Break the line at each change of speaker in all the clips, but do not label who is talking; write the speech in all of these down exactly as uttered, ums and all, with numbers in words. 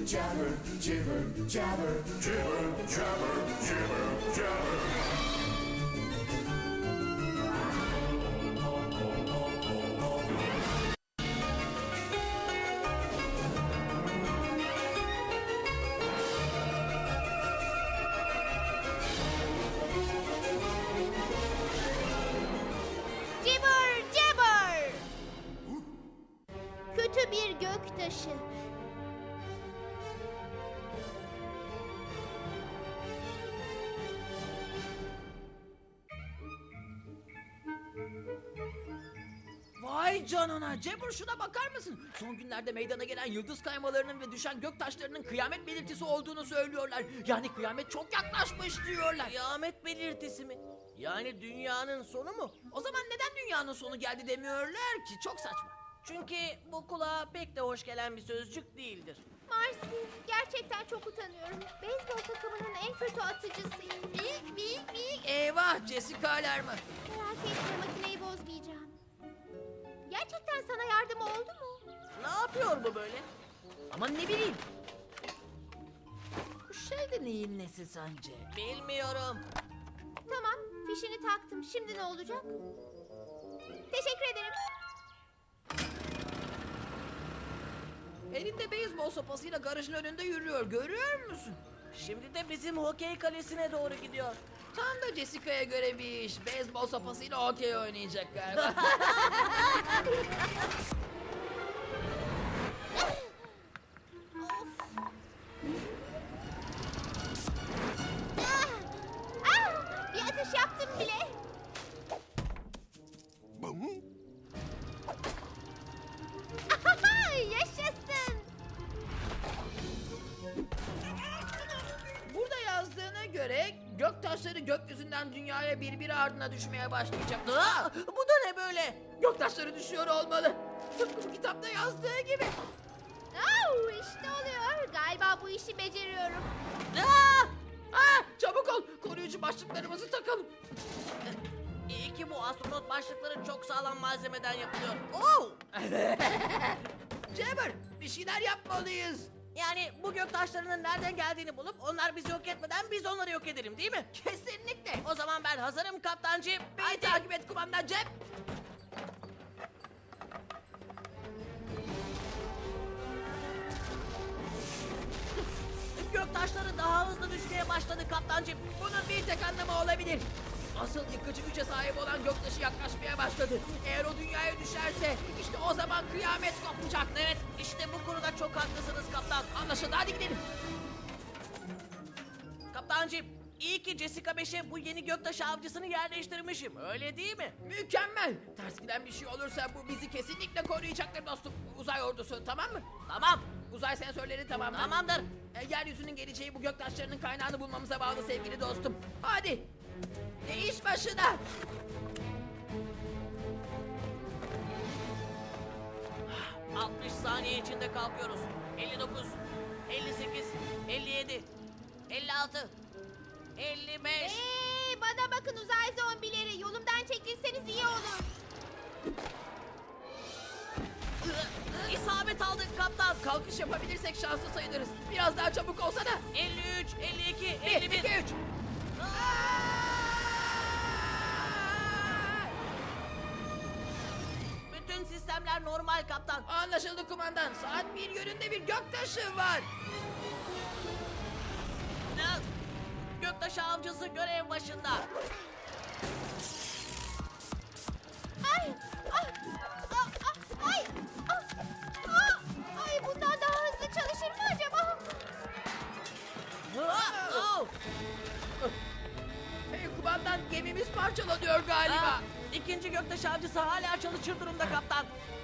jabber, jibber, jabber, jibber, jabber, jibber, jabber.
Cibber cibber. Kötü bir göktaşı.
Vay canına Cebur, şuna bakar mısın? Son günlerde meydana gelen yıldız kaymalarının ve düşen gök taşlarının kıyamet belirtisi olduğunu söylüyorlar. Yani kıyamet çok yaklaşmış diyorlar.
Kıyamet belirtisi mi? Yani dünyanın sonu mu?
O zaman neden dünyanın sonu geldi demiyorlar ki? Çok saçma.
Çünkü bu kulağa pek de hoş gelen bir sözcük değildir.
Marcy, gerçekten çok utanıyorum. Beyzbol takımının en kötü atıcısıyım.
Bik bik bik. Eyvah, Jessica alarmı.
Merak etme, makineyi bozmayacağım. Gerçekten sana yardım oldu mu?
Ne yapıyor bu böyle?
Aman ne bileyim. Bu şey de neyin nesi sence?
Bilmiyorum.
Tamam, fişini taktım. Şimdi ne olacak? Teşekkür ederim.
Elinde beyzbol sopasıyla garajın önünde yürüyor. Görüyor musun?
Şimdi de bizim hokey kalesine doğru gidiyor.
Tam da Jessica'ya göre bir iş. Beyzbol sopasıyla okey oynayacak galiba.
Ah! Ah! Bir atış yaptım bile. Ahaha, yaşasın.
Burada yazdığına göre gök taşları gökyüzünden dünyaya birbiri ardına düşmeye başlayacak. Aa!
Bu da ne böyle?
Gök taşları düşüyor olmalı. Tıpkı bu kitapta yazdığı gibi.
Oh, işte oluyor. Galiba bu işi beceriyorum.
Aa!
Aa, çabuk ol. Koruyucu başlıklarımızı takalım.
İyi ki bu astronot başlıkları çok sağlam malzemeden yapılıyor. Oo!
Jabber, bir şeyler yapmalıyız.
Yani bu gök taşlarının nereden geldiğini bulup onlar bizi yok etmeden biz onları yok edelim, değil mi?
Kesinlikle.
O zaman ben hazırım kaptancı.
Beni
Haydi.
takip et kumandan Jeb.
Gök taşları daha hızlı düşmeye başladı kaptancı.
Bunun bir tek anlamı olabilir. Asıl yıkıcı güce sahip olan göktaşı yaklaşmaya başladı. Eğer o dünyaya düşerse işte o zaman kıyamet kopacak.
Evet, işte bu konuda çok haklısınız kaptan.
Anlaşıldı, hadi gidelim.
Kaptancı, iyi ki Jessica beşe bu yeni göktaşı avcısını yerleştirmişim. Öyle değil mi?
Mükemmel. Ters giden bir şey olursa bu bizi kesinlikle koruyacaktır dostum. Uzay ordusu, tamam mı?
Tamam.
Uzay sensörleri tamam mı?
Tamamdır.
E, yeryüzünün geleceği bu göktaşlarının kaynağını bulmamıza bağlı sevgili dostum. Hadi. E, iş başına.
altmış saniye içinde kalkıyoruz. elli dokuz, elli sekiz, elli yedi, elli altı, elli beş.
Hey, bana bakın uzay zombileri. Yolumdan çekilseniz iyi olur.
İsabet aldık kaptan.
Kalkış yapabilirsek şanslı sayılırız. Biraz daha çabuk olsa da.
elli üç, elli iki,
Bir,
elli bir.
iki, üç.
Bütün sistemler normal kaptan.
Anlaşıldı kumandan. Saat bir yönünde bir göktaşı var.
Göktaşı avcısı görev başında.
Ay! Ah! Ah! Ah! Ay! Ah! Ah! Ay, bundan daha hızlı çalışır mı acaba?
Ah, oh.
Hey kumandan, gemimiz parçalanıyor galiba.
Ah, İkinci göktaşı avcısı hala çalışır durumda kaptan.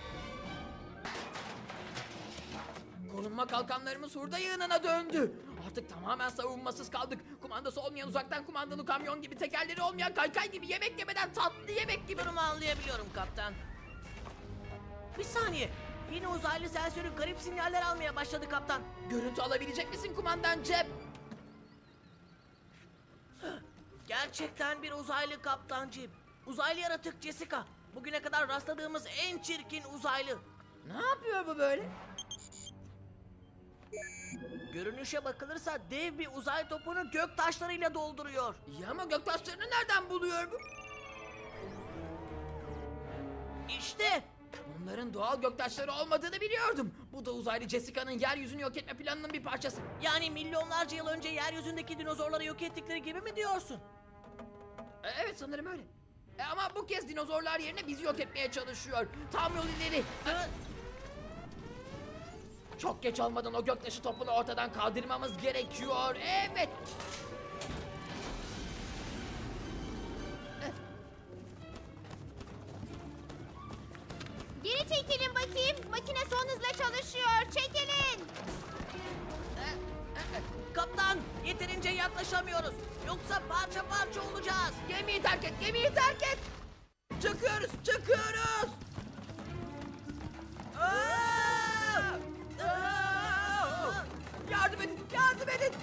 Korunma kalkanlarımız hurda yığınına döndü. Artık tamamen savunmasız kaldık. Kumandası olmayan uzaktan kumandalı kamyon gibi, tekerleri olmayan kaykay gibi, yemek yemeden tatlı yemek gibi.
Durumu anlayabiliyorum kaptan. Bir saniye. Yine uzaylı sensörü garip sinyaller almaya başladı kaptan.
Görüntü alabilecek misin kumandan Cep?
Gerçekten bir uzaylı kaptancı. Uzaylı yaratık Jessica. Bugüne kadar rastladığımız en çirkin uzaylı.
Ne yapıyor bu böyle?
Görünüşe bakılırsa dev bir uzay topunu gök taşlarıyla dolduruyor.
İyi ama göktaşlarını nereden buluyor bu?
İşte.
Bunların doğal göktaşları olmadığını biliyordum. Bu da uzaylı Jessica'nın yeryüzünü yok etme planının bir parçası.
Yani milyonlarca yıl önce yeryüzündeki dinozorları yok ettikleri gibi mi diyorsun?
E, Evet sanırım öyle. E, ama bu kez dinozorlar yerine bizi yok etmeye çalışıyor. Tam yol ileri.
Ha?
Çok geç olmadan o göktaşı topunu ortadan kaldırmamız gerekiyor. Evet.
Geri çekilin bakayım. Makine son hızla çalışıyor. Çekilin.
Kaptan, yeterince yaklaşamıyoruz. Yoksa parça parça olacağız.
Gemiyi terk et, gemiyi terk et. Çıkıyoruz, çıkıyoruz. Aa! Aa! Yardım edin, yardım edin.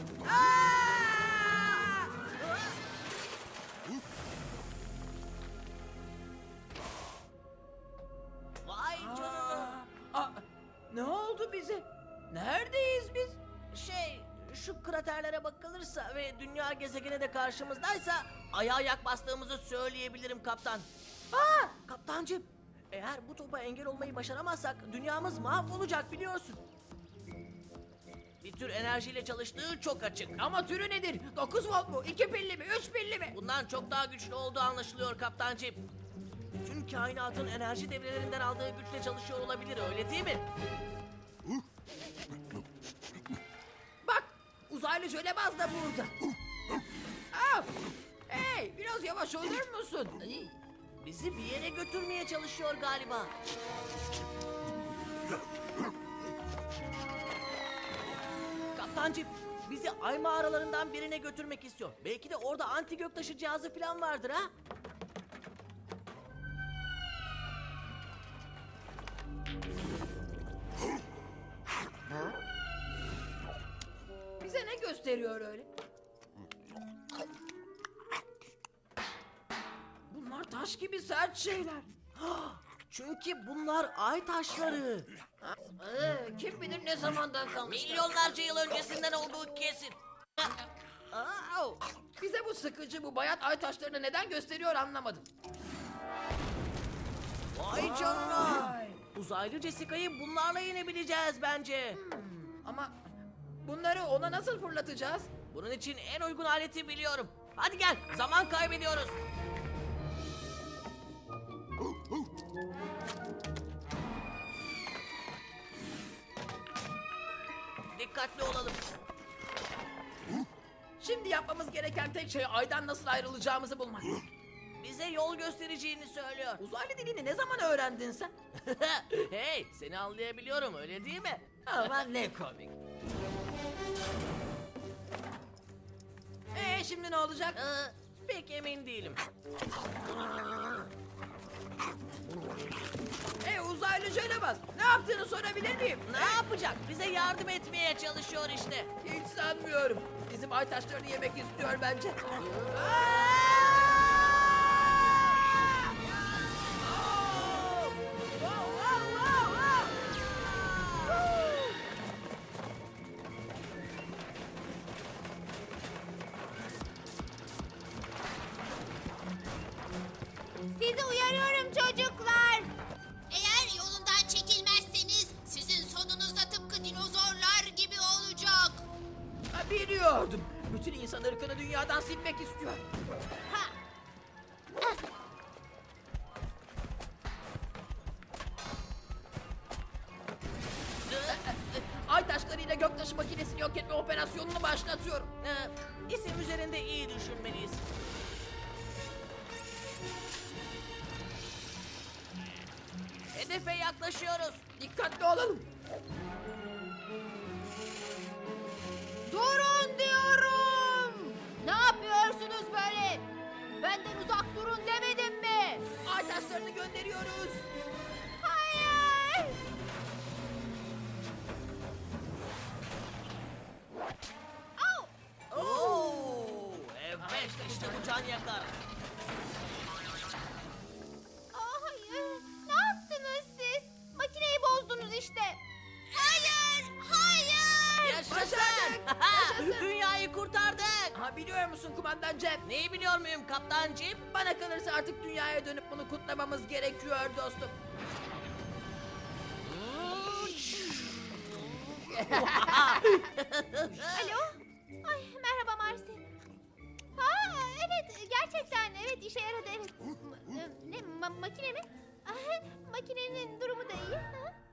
Aa!
Vay canına.
Aa, ne oldu bize? Neredeyiz biz?
Şey, şu kraterlere bakılırsa ve dünya gezegeni de karşımızdaysa ayağa ayak bastığımızı söyleyebilirim kaptan. Aa, kaptancım, eğer bu topa engel olmayı başaramazsak dünyamız mahvolacak biliyorsun. Bir tür enerjiyle çalıştığı çok açık.
Ama türü nedir? dokuz volt mu? iki pilli mi? üç pilli mi?
Bundan çok daha güçlü olduğu anlaşılıyor kaptancım. Bütün kainatın enerji devrelerinden aldığı güçle çalışıyor olabilir, öyle değil mi?
Bak, uzaylı jölebaz da burada. Aa, hey, biraz yavaş olur musun? Ay,
Bizi bir yere götürmeye çalışıyor galiba. Kaptancım, bizi ay mağaralarından birine götürmek istiyor. Belki de orada anti göktaşı cihazı falan vardır ha?
bize ne gösteriyor öyle? Bunlar taş gibi sert şeyler.
Çünkü bunlar ay taşları.
Ee, kim bilir ne zamandan kalmış.
Milyonlarca yıl öncesinden olduğu kesin.
Aa, bize bu sıkıcı, bu bayat ay taşlarını neden gösteriyor anlamadım.
Vay canına.
Vay.
Uzaylı Jessica'yı bunlarla yenebileceğiz bence.
Ama bunları ona nasıl fırlatacağız?
Bunun için en uygun aleti biliyorum. Hadi gel, zaman kaybediyoruz. Dikkatli olalım.
Şimdi yapmamız gereken tek şey aydan nasıl ayrılacağımızı bulmak.
Bize yol göstereceğini söylüyor.
Uzaylı dilini ne zaman öğrendin sen?
Hey, seni anlayabiliyorum, öyle değil mi?
Aman ne komik. Ee şimdi ne olacak?
Ee, pek emin değilim.
Ee uzaylı jölebaz, ne yaptığını sorabilir miyim?
Ne yapacak? Bize yardım etmeye çalışıyor işte.
Hiç sanmıyorum. Bizim ay taşlarını yemek istiyor bence.
Sizi uyarıyorum çocuklar. Eğer yolundan çekilmezseniz sizin sonunuz da tıpkı dinozorlar gibi olacak.
Ha, biliyordum. Bütün insan ırkını dünyadan silmek istiyor.
Ha.
Ay taşlarıyla göktaşı makinesini yok etme operasyonunu başlatıyorum.
Ee, isim üzerinde iyi düşünmeliyiz. Hedefe yaklaşıyoruz.
Dikkatli olalım.
Durun diyorum. Ne yapıyorsunuz böyle? Benden uzak durun demedim mi?
Ay taşlarını gönderiyoruz.
Hayır. Au.
Oo, evet işte bu can yakar.
Aa, hayır. Ne yaptınız siz? Makineyi bozdunuz işte. Hayır. Hayır.
Yaşasın.
Başardık. Ha, biliyor musun kumandan Cem?
Neyi biliyor muyum kaptancığım?
Bana kalırsa artık dünyaya dönüp bunu kutlamamız gerekiyor dostum.
Alo? Ay merhaba Marsi. Ha evet gerçekten evet işe yaradı evet. M- Ne ma- makine mi? Ah, makinenin durumu da iyi. Ha?